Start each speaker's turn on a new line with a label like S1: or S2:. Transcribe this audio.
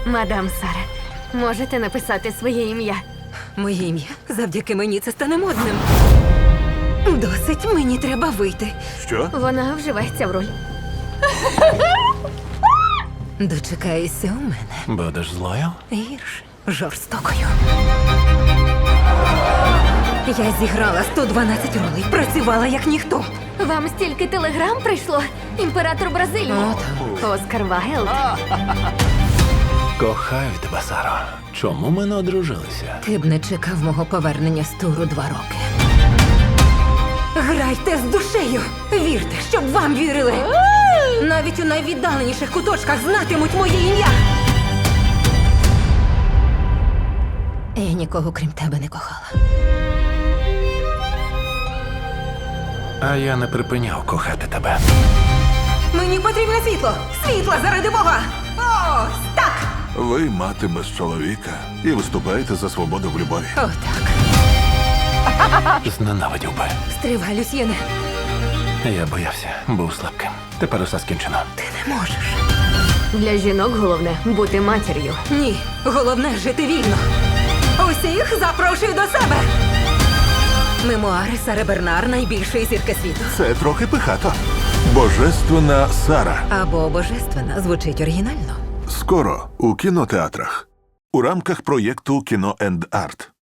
S1: Мадам Сара, можете написати своє ім'я?
S2: Моє ім'я завдяки мені це стане модним. Досить, мені треба вийти.
S3: Що?
S1: Вона вживається в роль.
S2: Дочекаєшся у мене.
S4: Будеш злою?
S2: Гірше, жорстокою. Я зіграла 112 ролей, працювала як ніхто.
S1: Вам стільки телеграм прийшло? Імператор Бразилії. Оскар Вайлд.
S4: Кохаю тебе, Саро. Чому ми не одружилися?
S2: Ти б не чекав мого повернення з туру 2 роки. Грайте з душею! Вірте, щоб вам вірили! Навіть у найвіддаленіших куточках знатимуть моє ім'я! Я нікого крім тебе не кохала.
S4: А я не припиняв кохати тебе.
S2: Мені потрібне світло! Світло заради Бога! Ось так!
S3: Ви мати без чоловіка і виступаєте за свободу в любові.
S2: Отак.
S4: Зненавидів би.
S2: Стривай, Люсьєне.
S4: Я боявся, був слабким. Тепер усе скінчено.
S2: Ти не можеш.
S1: Для жінок головне бути матір'ю.
S2: Ні, головне жити вільно. Усіх запрошую до себе. Мемуари Сари Бернар, найбільшої зірки світу.
S3: Це трохи пихато. Божественна Сара.
S2: Або божественна звучить оригінально.
S3: Скоро у кінотеатрах. У рамках проєкту «Кіно енд Арт».